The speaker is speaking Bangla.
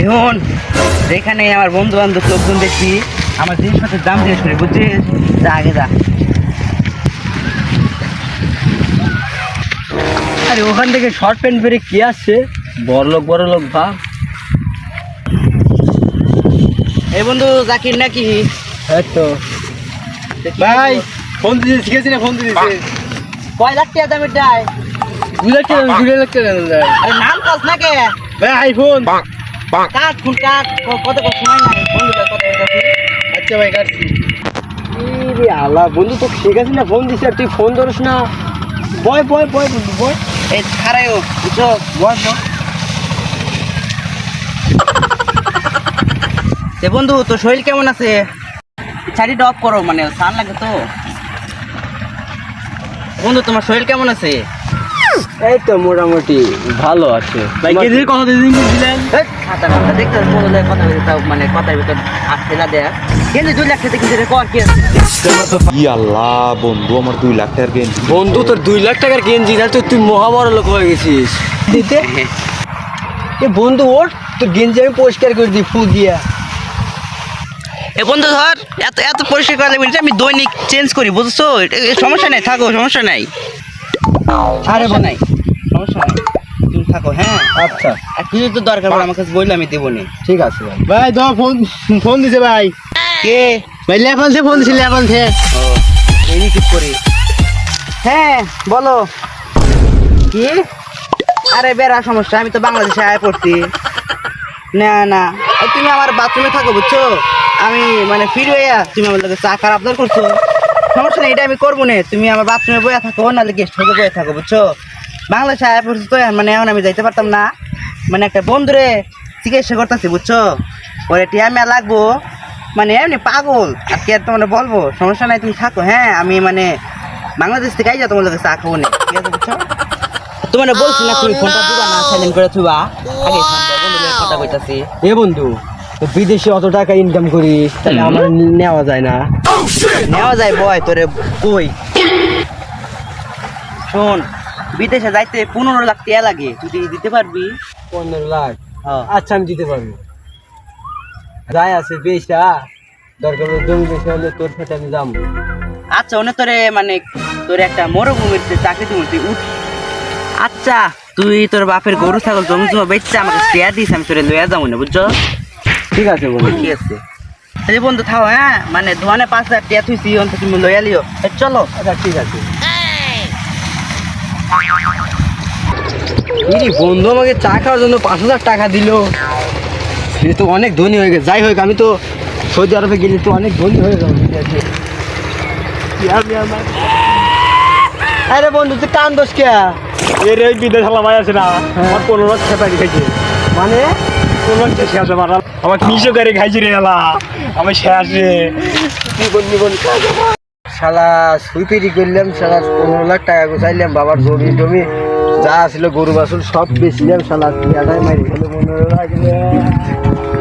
এখন যেখানে আমার বন্ধু বান্ধব লোকজন দেখছি আমার জিনিসপত্রের দাম জিজ্ঞেস করি, বুঝছিস? যা আগে যা। আরে ওখান থেকে শর্ট প্যান্ট পরে কি আসছে? বড় লোক ভাব। এই বন্ধু জাকির নাকি? এই তো ভাই ফোন দিতে শিখেছি না, ফোন দিতে কয় লাখ টাকা দামের দেয়? 2 লাখ টাকা 2 লাখ টাকা দেয়। আরে নাম কাজ নাকি? ভাই আইফোন কাট ফোন কাট, কত সময় নাই বন্ধু, কত কাছে? আচ্ছা ভাই কাটছি। রে আল্লাহ, বন্ধু তো শিখেছি না, ফোন দিছি আর তুই ফোন ধরিস না। বয় বন্ধু বয়। এই খারাইও বুঝছো? বয় বন্ধু তোর শরীর কেমন আছে? শাড়িটা অফ করো, মানে সান লাগে তো। বন্ধু তোমার শরীর কেমন আছে? এই তো মোটামুটি ভালো আছে। ভাই কেজির কথা দিন দিলেন। খাতা খাতা দেখতে বন্ধু কথা বলতে তাও মানে কথার ভিতর আসছে না দেখ। কিন্তু 2 লাখ টাকা কিনতে কর কি আছে? আল্লাহ বন্ধু, আমার 2 লাখ টাকার গেঞ্জি। বন্ধু তোর 2 লাখ টাকার গেঞ্জি, তাহলে তো তুই মহাবড় লোক হয়ে গেছিস। দিতে এ বন্ধু ওর তোর গেঞ্জি আমি পরিষ্কার করে দিই ফুল দিয়া। এ বন্ধু ধর, এত এত পরিষ্কার করা লাগবে না, আমি দৈনিক চেঞ্জ করি, বুঝছো? সমস্যা নাই, থাকো, সমস্যা নাই। আরে নাই, সমস্যা নাই, তুমি থাকো। হ্যাঁ আচ্ছা আর কিছু তো দরকার পড়ে আমার কাছে বললে আমি দেবো নি। ঠিক আছে ভাই। ভাই দাও ফোন দিছে ভাই। কে ভাই লেভেল থেকে ফোন দিছে, লেভেল থেকে। ও এই রিসিভ করি। হ্যাঁ বলো কি? আরে বেড়া সমস্যা, আমি তো বাংলাদেশে আয় পড়ছি না না। তুমি আমার বাথরুমে থাকো, বুঝছো? আমি মানে ফির হইয়া তুমি আমার লোকের চা খারাপ আবদার করছো, সমস্যা নেই, এটা আমি করবো না। তুমি আমার বাথরুমে বয়ে থাকো, নাহলে গেস্ট হাউসে বয়ে থাকো, বুঝছো? বাংলাদেশে আয় পড়ছি তো, মানে এখন আমি যাইতে পারতাম না। মানে একটা বন্ধুরে চিকিৎসা করতেছি, বুঝছো? ওরে টিয়া মেয়া লাগবো, মানে এমনি পাগল আর কি, আর তোমার বলবো। সমস্যা নাই, তুমি থাকো। হ্যাঁ আমি মানে বাংলাদেশ থেকে আই যাও, তোমার লোকের চা খাবো না, ঠিক আছে? বুঝছো? তোমার বলছি না তুমি ফোনটা দিবা না, সাইলেন্ট করে থুবা। আগে বন্ধুদের কথা কইতাছি। এ বন্ধু তো বিদেশে অত টাকা ইনকাম করিস, তাহলে আমার নেওয়া যায় না? নেওয়া যায় বয়, তোরে কই শোন, বিদেশে যাইতে 15 লাখ টাকা লাগে, তুই দিতে পারবি? 15 লাখ? হ্যাঁ। আচ্ছা আমি দিতে পারবো। যাই আছে বেশটা, দরকার হলে জমি বেশি হলে তোর সাথে আমি যাবো। আচ্ছা ওনে তোরে মানে তোর একটা মরুভূমিতে চাকরি দিব, তুই উঠ। আচ্ছা তুই তোর বাপের গরু ছাগল জমি জমা বেচছে আমাকে শেয়ার দিস, আমি তোরে লইয়া যাবো না, বুঝছো? ঠিক আছে বন্ধু। ঠিক আছে এই বন্ধু থাও। হ্যাঁ মানে ধোয়ানে 5,000 টাকা থুইছি, অন্ত তুমি লইয়া লিও। চলো। আচ্ছা ঠিক আছে। ইরি বন্ধু আমাকে চা খাওয়ার জন্য 5,000 টাকা দিল। সে তো অনেক ধনী হয়ে গেছে। যাই হোক, আমি তো সৌদি আরবে গেলে তো অনেক ধনী হয়ে যাবো। আরে বন্ধু তুই কান দোষ কে? এর ওই বিদেশ হালা ভাই আছে না, আমার 15 লাখ খেপারি খাইছে। মানে 15 লাখ শেষ মারা আমার মিশো গাড়ি খাইছি রে হালা, আমি শেষে শালা সুইপিরি করলাম, শালা 15 লাখ টাকা গুছাইলাম, বাবার জমি টমি যা ছিল গরু বাছুর সব বেচলাম, শালা মারি খেলো 15 লাখ।